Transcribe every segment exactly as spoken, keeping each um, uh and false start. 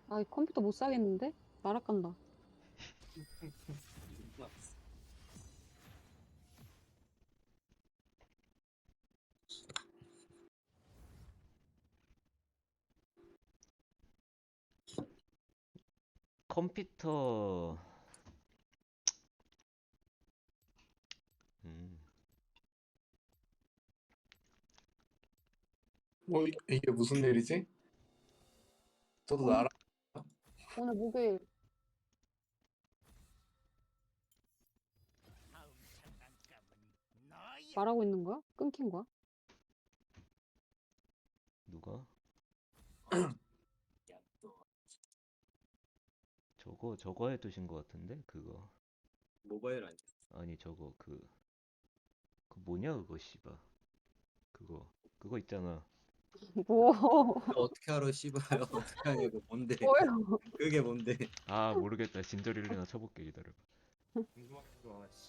아, 이 컴퓨터 못 사겠는데? 날아간다. 컴퓨터. 음. 뭐 이- 이게 무슨 일이지? 저도 오늘, 나라 오늘 목요일. 말하고 있는 거야? 끊긴 거야? 누가? 저거 저거 해두신 것 같은데 그거. 모바일 아니야? 아니 저거 그 그 뭐냐 그거 씨발. 그거 그거 있잖아. 뭐, 어떻게 알아, 씨발. 어떻게 하냐고. 뭔데? 뭐예요? 그게 뭔데? 아 모르겠다. 진저릴레나 쳐볼게 기다려. 궁금하기도 하지.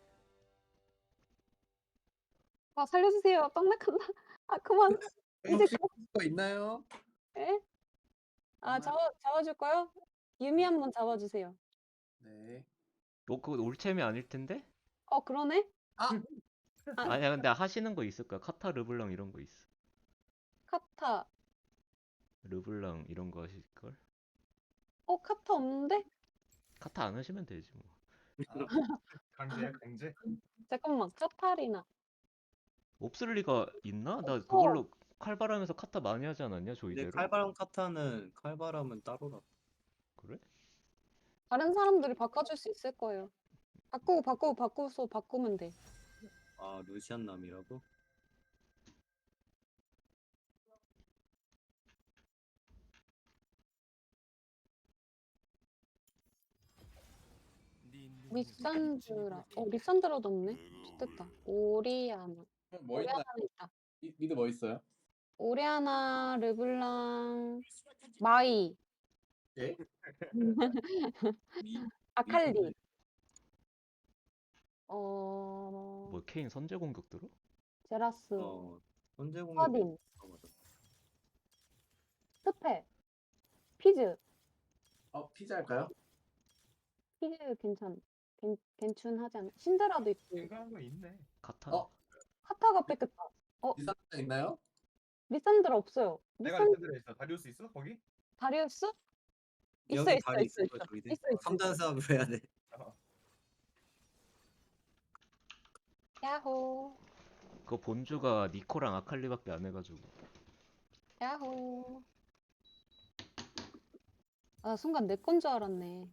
아, 살려주세요. 떡락한다. 아, 그만. 이제 혹시 거 있나요? 에? 아, 정말? 잡아, 잡아줄까요? 유미 한번 잡아주세요. 네. 너 그거 올챔이 아닐 텐데? 어, 그러네? 아, 아, 아니야 근데 하시는 거 있을 거야. 카타 르블랑 이런 거 있어. 카타. 르블랑 이런 거 하실 걸? 어, 카타 없는데? 카타 안 하시면 되지 뭐. 강제야 강제? 잠깐만, 카타리나. 없을 리가 있나? 나 없어. 그걸로 칼바람에서 카타 많이 하지 않았냐 근데 조이대로? 칼바람 카타는 칼바람은 따로라. 그래? 다른 사람들이 바꿔줄 수 있을 거예요. 바꾸고, 바꾸고, 바꾸서 바꾸면 돼. 아, 루시안 남이라고? 리산드라. 어, 리산드라도 없네. 좋겠다. 오리아나. 뭐 있나? 오리아나는 있다. 이- 미드 뭐 있어요? 오리아나, 르블랑, 마이, 예? 미 아칼리. 어, 뭐 케인 선제 공격 들어? 제라스, 어, 현재 공격. 서딘, 어, 맞아. 스페, 피즈. 어 피자 할까요? 피즈 괜찮, 괜, 괜춘하지 않아? 신드라도 있고. 생각한 거 있네. 카타? 어 카타가 뺏겼다. 어, 리산드 있나요? 리산드라 없어요. 내가 리산, 리센드에 있어. 다리우스 있어 거기? 다리우스? 있어, 여기 있어, 다리 있어, 있을 있어. 거야, 저기들. 있어, 있어. 삼 단 싸움을 해야 돼. 어. 야호, 그 본주가 니코랑 아칼리밖에 안 해가지고. 야호. 아, 순간 내 건 줄 알았네.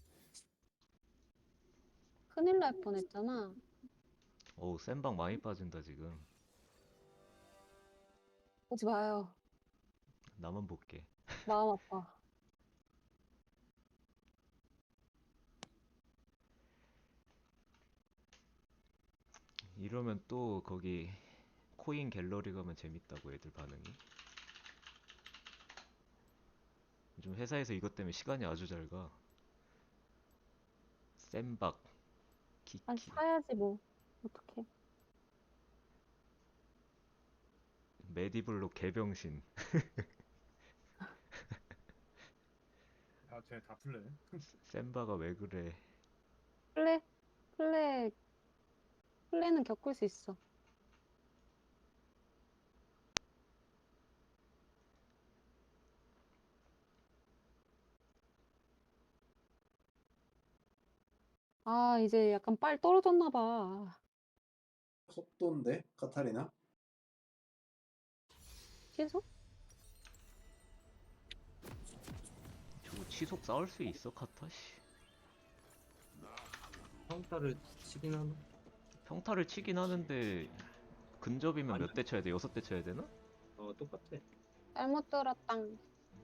큰일 날 뻔했잖아. 어우 센방 많이 빠진다 지금. 오지 마요. 나만 볼게. 마음 아파. 이러면 또 거기 코인 갤러리 가면 재밌다고 애들 반응이. 요즘 회사에서 이것 때문에 시간이 아주 잘 가. 센박, 아, 키키, 사야지 뭐. 어떡해. 메디블로 개병신. 아, 쟤다 풀래. 센바가 왜 그래? 플레, 플레, 플레는 겪을 수 있어. 아, 이제 약간 빨 떨어졌나 봐. 속도인데 카타리나? 취소? 저거 치속 싸울 수 있어 카타 씨. 평타를 치긴 하나? 평타를 치긴 하는데 근접이면 아니. 몇 대 쳐야 돼? 여섯 대 쳐야 되나? 어, 똑같아. 잘못 들었당.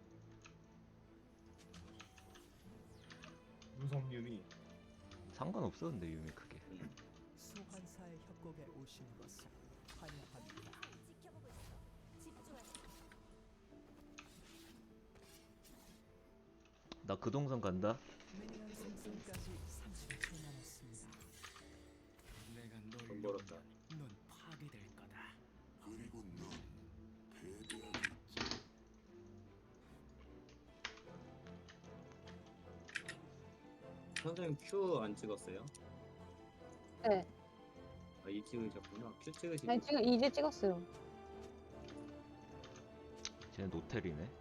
무섭유미. 상관없었는데 유미 크게. 소환사의 협곡에 오신 것을 환영합니다. 나 그 동선 간다. 미니언 생성까지 삼십 초 남았습니다. 내가 널 돈 벌었다. 넌 파괴될 거다. 그리고 넌 패배하겠지. 선생님 Q 안 찍었어요? 네. 아, 이 찍으셨구나. Q 찍으시고. 아니 지금 이제 찍었어요. 쟤는 노텔이네.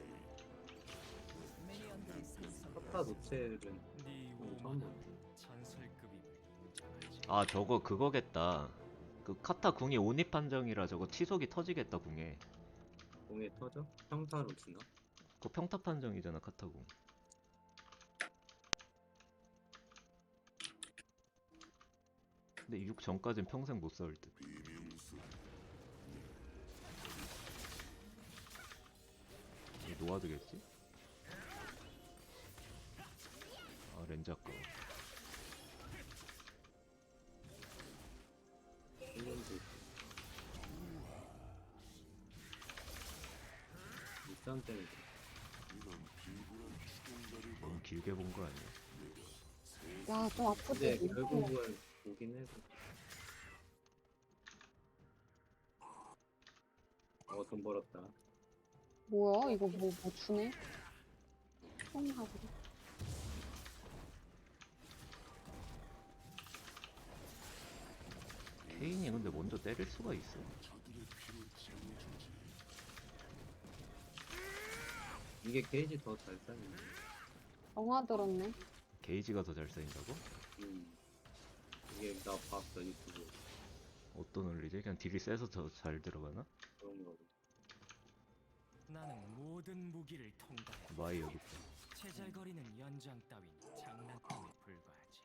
미니언들이 생성. 카타 노첼은 네 처음 오만한 보네. 전설급임을 인정하지. 아 저거 그거겠다. 그 카타 궁이 온입 판정이라 저거 치속이 터지겠다 궁에. 공에 터져? 평타로 치나? 그거 평타 판정이잖아 카타 궁. 근데 육 전까진 평생 못 싸울 듯. 이게 노아드겠지? 아 렌즈 아까워. 일년도 일산 때문에 너무 길게 본 거 아니야? 야 좀 아프지. 근데 결국은 보긴 해서 어 돈 벌었다. 뭐야 이거 뭐 뭐 주네? 총하고. 케인이 근데 먼저 때릴 수가 있어. 이게 게이지 더 잘 쌓이네. 영화 들었네. 게이지가 더 잘 쌓인다고? 음. 이게 나 봤어 유튜브 어떤 원리지? 그냥 딜이 세서 더 잘 들어가나? 그런 거. 나는 모든 무기를 통과해. 마이 여기 있다. 제잘거리는 연장 따윈 장난감에 불과하지.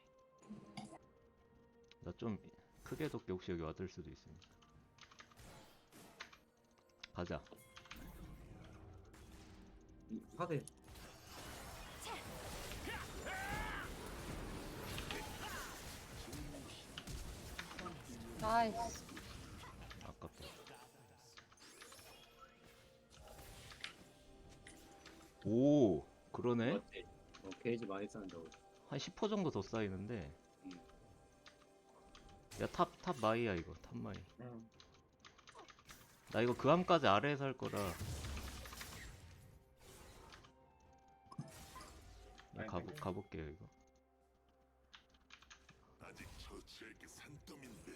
나 좀 크게 덮게 혹시 여기 와들 수도 있으니까. 가자. 이 파대 나이스. 아깝다. 오 그러네? 맞지? 어, 게이지 많이 쌓는다고. 한 십 퍼센트 정도 더 쌓이는데. 음. 야 탑 탑 마이야 이거 탑 마이. 그냥 나 이거 그 함까지 아래에서 할 거라. 야, 아니, 가보, 아니. 가볼게요 이거. 아직 처치할 게 산더미인데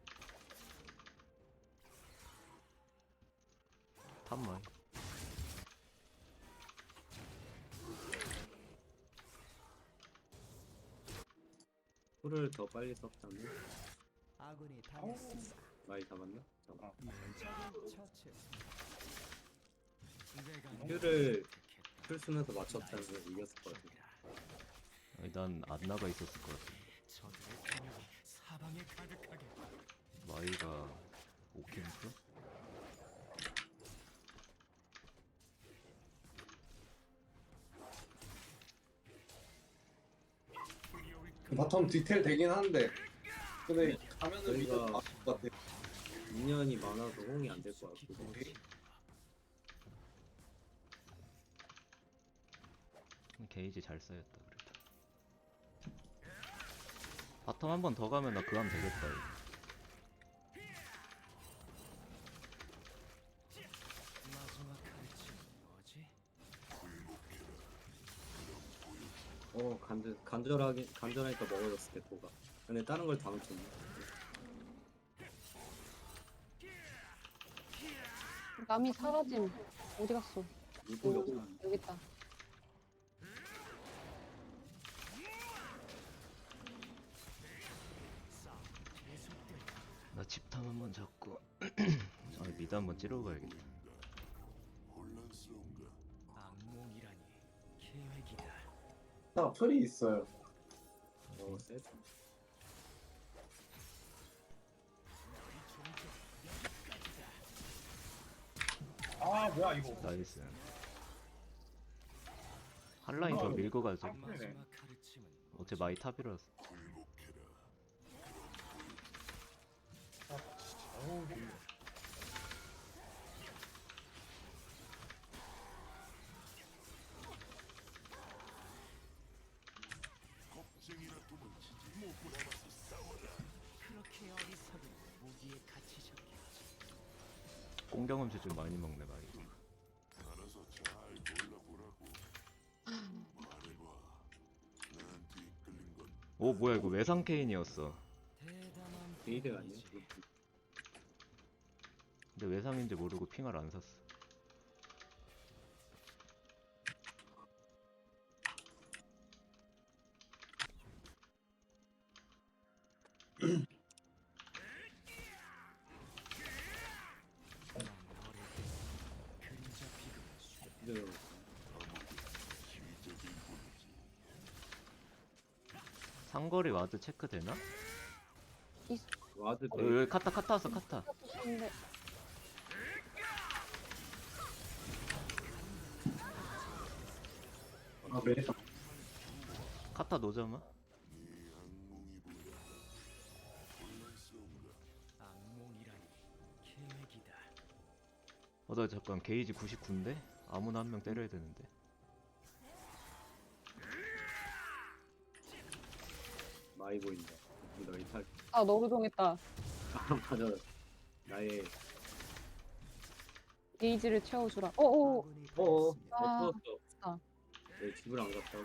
탑 마이. 풀을 더 빨리 썼다면 아군이 당했습니다. 많이 잡았나? 잡아. 어. 적을 처치했습니다. 내가 큐를 풀 쓰면서 맞췄다면 이겼을 것 같아. 아니 난 안 나가 있었을 것 같아. 저들의 공격이 사방에 가득하게. 마이가 오 캠프? 바텀 디테일 되긴 하는데 근데 가면은 저희가- 이거 맞을 것 같아. 인연이 많아서 홍이 안 될 것 같고. 게이지 잘 쌓였다 그래도. 바텀 한 번 더 가면 나 그함 되겠다 이거. 마지막 칼집은 뭐지? 어 간절 간절하게 간절하니까 먹어졌을 때 도가. 근데 다른 걸 다 놓쳤네. 남이 사라짐. 어디 갔어? 누구 여기, 역사. 여기 있다. 나 집탐 한 번 잡고 아 미드 한 번 찌르고 가야겠다. 혼란스러운가 악몽이라니 계획이다. 나 풀이 있어요. 어 셋. 아 뭐야 이거. 나이스. 한라인 저 밀고 가죠. 아, 그러네. 마지막 가르침은 어째 마이 탑이라서. 굴복해라 어우 이- 겁쟁이라 도망치지 못고 남아서 싸워라 그렇게 어리석은 무기에 갇히셨겠지. 공경험치 좀 많이 먹네 마이. 알아서 잘 골라보라고 말해봐 나한테 이끌린 오 뭐야 이거 외상 케인이었어. 대담한 게이드가 아니야? 분이지. 근데 외상인지 모르고 핑을 안 샀어. 난 어릴 때 그림자 비극을 수 근데 상거리 와드 체크 되나? 와드 어, 여기 카타 카타 왔어 카타. 근데 아 메리사. 카타 노자마? 악몽이라니 계획이다. 어 나 잠깐 게이지 구십구인데? 아무나 한 명 때려야 되는데. 많이 보인다. 너희 탈. 아 너무 정했다. 아 맞아. 나의 게이지를 채워주라. 어어. 어어 아, 없어졌어. 아. 왜 집을 안 갔다고?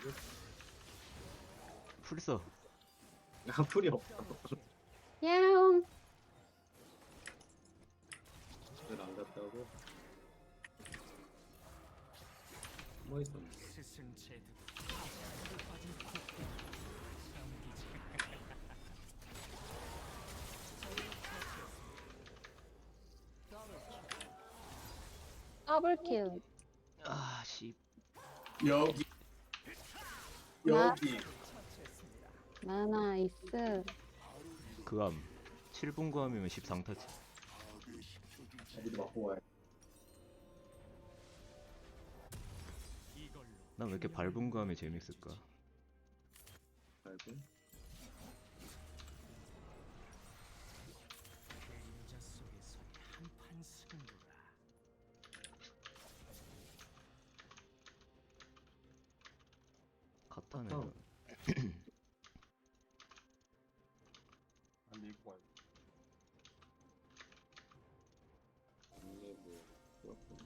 풀써. 아 풀이 없어. 야옹. 집을 안 갔다고? 뭐 있었네. 스승 제도 빠진 코끼리 참기지. 더블킬. 아 씨. 여기 여기 나나이스. 그암. 칠 분 그암이면 십삼 타치. 어디도 맞고 와요. 이걸로 난 왜 이렇게 밟은 그암이 재밌을까? 알고? 그림자 속에서 한판 승부라. 카타는 카타. 안 밀고 가요. 이게 뭐 그렇군.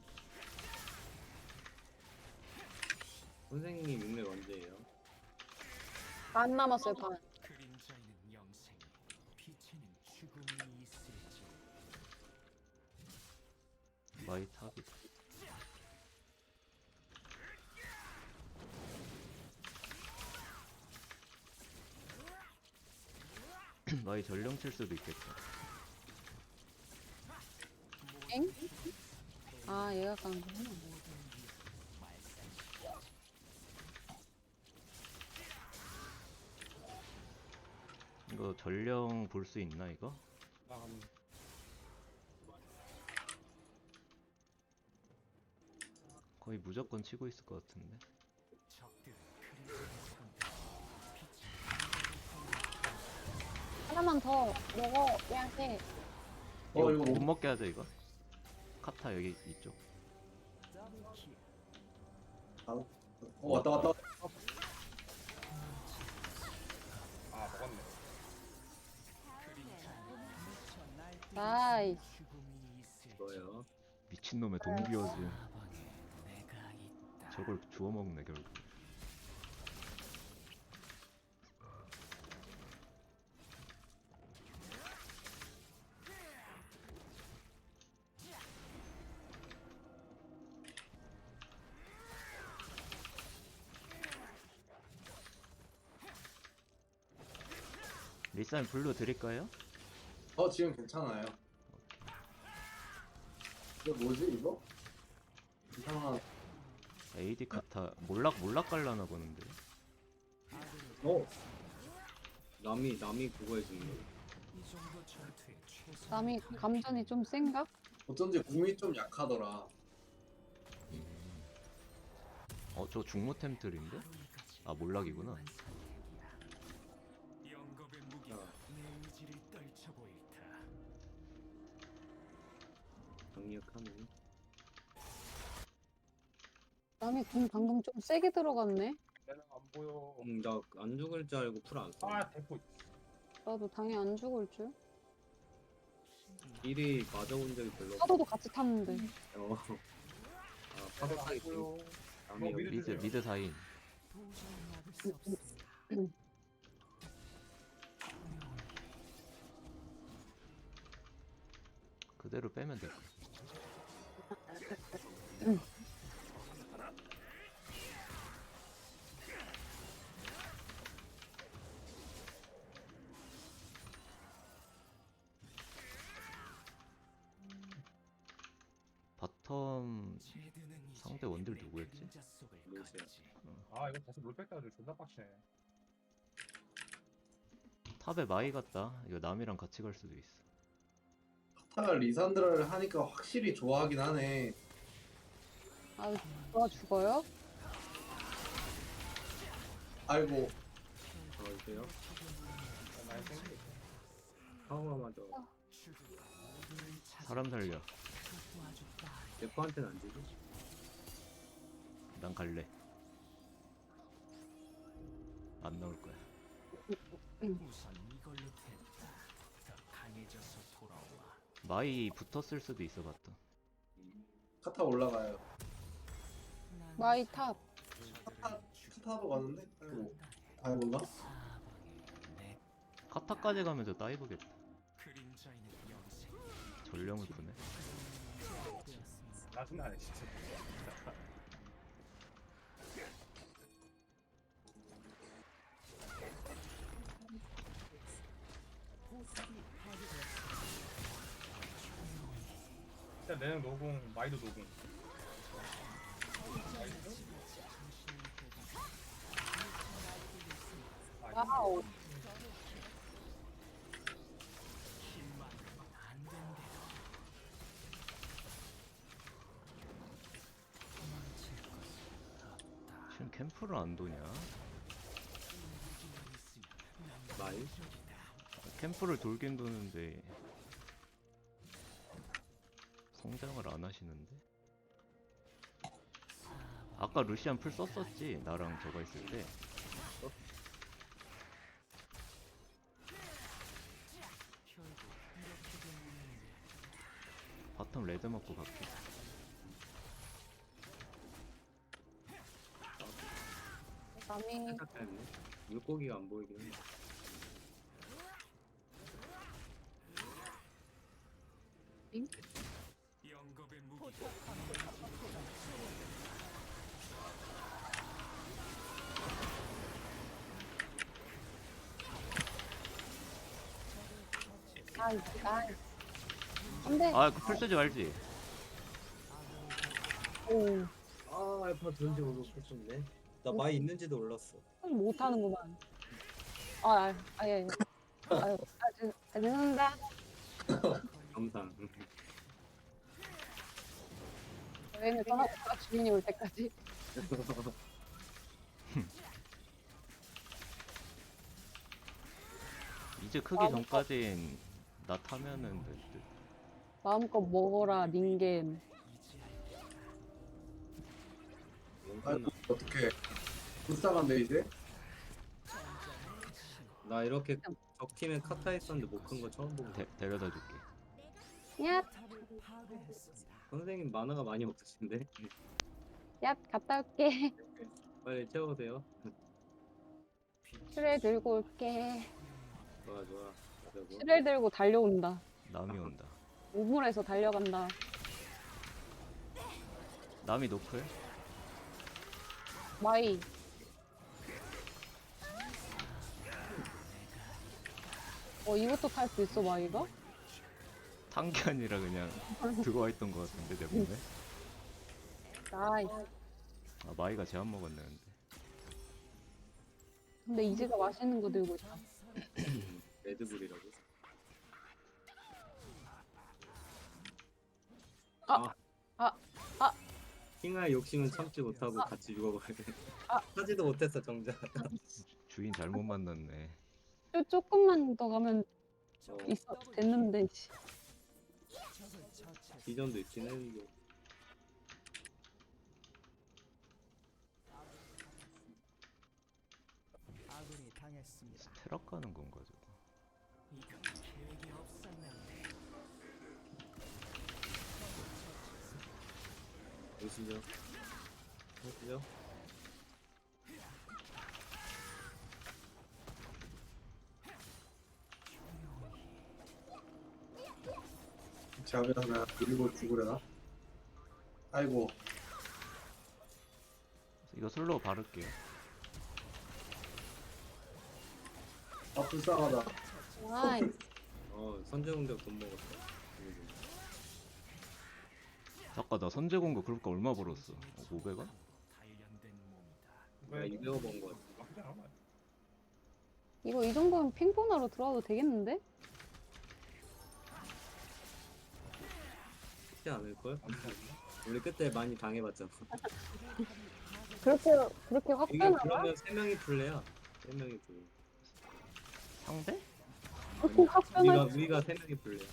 선생님 육렙 언제예요? 반 남았어요 반. 그림자에는 영생이, 빛에는 죽음이 있을지. 마이 탑이. 마이 전령 칠 수도 있겠다. 엥? 아 얘가 간 거구나. 이거 전령 볼 수 있나 이거? 나간 거의 무조건 치고 있을 것 같은데. 적들은 그림자를 본다. 하나만 더 먹어야 해. 이거 어 이거 못 뭐 먹게 하자 이거. 카타 여기 이쪽. 더블킬. 어, 왔다 왔다. 아 먹었네. 나이스. 죽음이 있을지. 뭐요? 미친놈의 동기어즈. 사방에 내가 있다. 저걸 주워 먹네 결국. 리산 블루 드릴까요? 어 지금 괜찮아요. 이거 뭐지 이거? 이상한. 에이디 카타 몰락 몰락 갈라나 보는데. 어 남이 남이 그거 해주는 거. 이 정도 전투에 최선. 남이 감전이 좀 센가? 어쩐지 궁이 좀 약하더라. 어 저 중무템들인데? 아 몰락이구나. 영겁의 무기가 내 의지를 떨쳐 보일다. 강력하네. 남이 궁 방금 좀 세게 들어갔네. 내가 안 보여. 음, 나 안 죽을 줄 알고 풀 안 써. 아 대포. 나도 당연히 안 죽을 줄. 일이 맞아본 적이 별로 없어. 파도도 같이 탔는데. 어. 아 파도 내가 타기 안 보여. 남이 어, 미드 미드 주세요. 미드 사인. 도저히 막을 수 없습니다. 그대로 빼면 될 거야. 바텀 제드는 이제 상대 원딜 내 누구였지? 그림자 속을 루시아. 걷지. 아 이거 다시 롤백 따가지고 존나 빡치네. 탑에 마이 같다. 이거 남이랑 같이 갈 수도 있어. 카타가 리산드라를 하니까 확실히 좋아하긴 하네. 아, 누가 죽어요? 아이고 어디세요? 많이 생기. 파워가 맞아. 사람 살려. 대포한테는 안 되지? 난 갈래. 안 나올 거야. 우선 이걸로 됐다. 더 강해져서 돌아와. 마이 붙었을 수도 있어 봤다. 카타 올라가요. 마이 탑. 카타 카타로 가는데? 아이고 아이고가? 내 카타까지 가면 저 다이브겠다. 그림자에는 영생. 전령을 푸네. 짜증나네 진짜. 일단 내는 노공, 마이도 노공. 마이도? 아, 와우. 안 된대. 지금 캠프를 안 도냐? 마이? 캠프를 돌긴 도는데 성장을 안 하시는데? 아까 루시안 풀 썼었지? 나랑 저거 있을 때. 바텀 레드 먹고 갈게. 남이 살짝 짧네. 물고기가 안 보이긴 해. 영겁의 무기. 아, 나. 안 돼. 아, 그 풀 쓰지 말지. 오, 아 알파 들은지 모르고 펼쳤네. 나 마이 있는지도 몰랐어. 못하는구만. 아, 아, 아, 예. 아유, 아, 죄- 아, 죄송합니다. 감상. 여행을 떠나고 주인이 올 때까지. 이제 크기 전까진 나 타면은 될 듯. 마음껏 먹어라, 닌겐. 아이고 어떻게 불쌍한데 이제? 나 이렇게 적팀에 카타 있었는데 못 큰 거 처음 보고. 데, 데려다 줄게. 얍, 선생님 만화가 많이 없으신데? 얍, 갔다 올게. 빨리 채워오세요. 슈렐 들고 올게. 좋아 좋아. 가자고. 슈렐 들고 달려온다. 남이 온다. 우물에서 달려간다. 남이 노플? 마이. 어, 이것도 탈 수 있어, 마이가? 탄 게 아니라 그냥 들어와 있던 것 같은데 내 몸에? 나이스. 아, 마이가 제한 먹었네 근데. 근데 이지가 맛있는 거 들고 있다. 레드불이라고. 아, 아, 아. 킹아의 욕심은 참지 못하고 같이 죽어버리네. 아. 하지도 못했어 정작. 주인 잘못 만났네. 좀 조금만 더 가면 어, 있어 됐는데. 씨. 비전도 있긴 해 이게. 아군이 당했습니다. 스테락 가는 건가 저거? 이건 계획이 없었는데. 보시죠. 보시죠. 제압이나 그리고 죽으려나? 아이고 이거 슬로우 바를게요. 아 불쌍하다. 나이스. 어 선제 공격 돈 먹었다. 그리고 잠깐 나 선제 공격 그럴까 얼마 벌었어? 어, 오백 원? 단련된 몸이다. 내가 이백억 번거 같아. 나쁘지 않아. 이거 이 정도면 핑퐁하러 들어와도 되겠는데? 쉽지 않을걸? 우리 그때 많이 당해봤잖아. 그렇게 그렇게 확 이게 빼나? 그러면 세 명이 플레야. 세 명이 플레. 상대? 그렇게 확 우리가 빼나? 우리가 세 명이 플레야.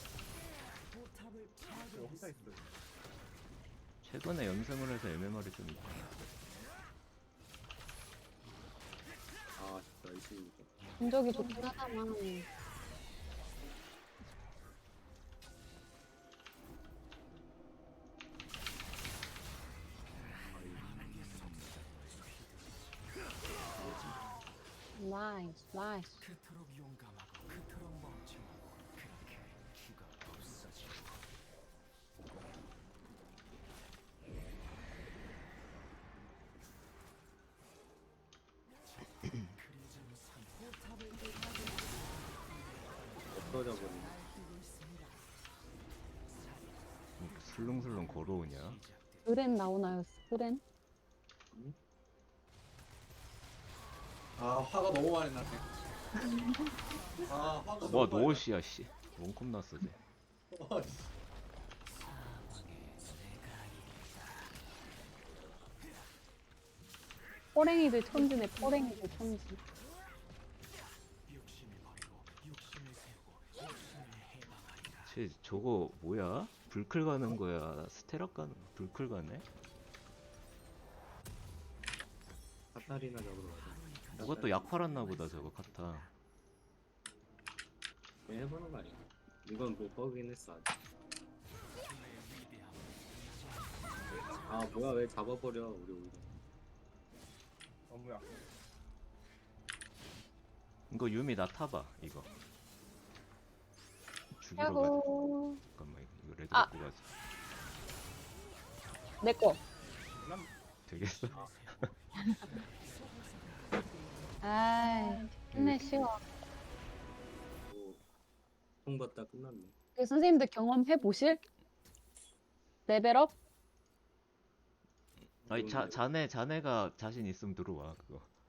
이거 혼자 있어. 최근에 연승을 해서 엠엠알이 좀 있다. 아 진짜 열심히. 전적이 좋긴 하다만. 나이스, 나이스. 그토록 용감하고 그토록 멍청하고 그렇게 기가 없어지고 그리자는 산 없어져 버리네. 뭐 슬렁슬렁 걸어오냐? 스렌 나오나요, 스렌? 아 화가 너무 많이 나네. 아 화가 와 너무 많이 노엇이야 씨. 원컵 났어 쟤. 나. 아, 씨. 포랭이들 천지네, 포랭이들 천지. 욕심을 버리고 욕심을 세우고 욕심을 해방하리라. 쟤 저거 뭐야? 불클 가는 거야? 스테락 가는 거야? 불클 가네? 카타리나 잡으러 가자. 누가 또 약 팔았나 보다 저거 카타. 그냥 해보는 거 아니야? 이건 뭐 버그긴 했어 아직. 아 뭐야 왜 잡아버려 우리 우리. 너무 약. 이거 유미 나 타봐 이거. 죽이러 가자. 야호. 잠깐만 이거 레드 아. 갖고 가자. 내꺼. 난 되겠어? 아이, 힘내, 쉬워. 뭐 통받다 끝났네. 그 선생님들 경험해 보실? 레벨업? 아니 자 자네 자네가 자신 있으면 들어와 그거.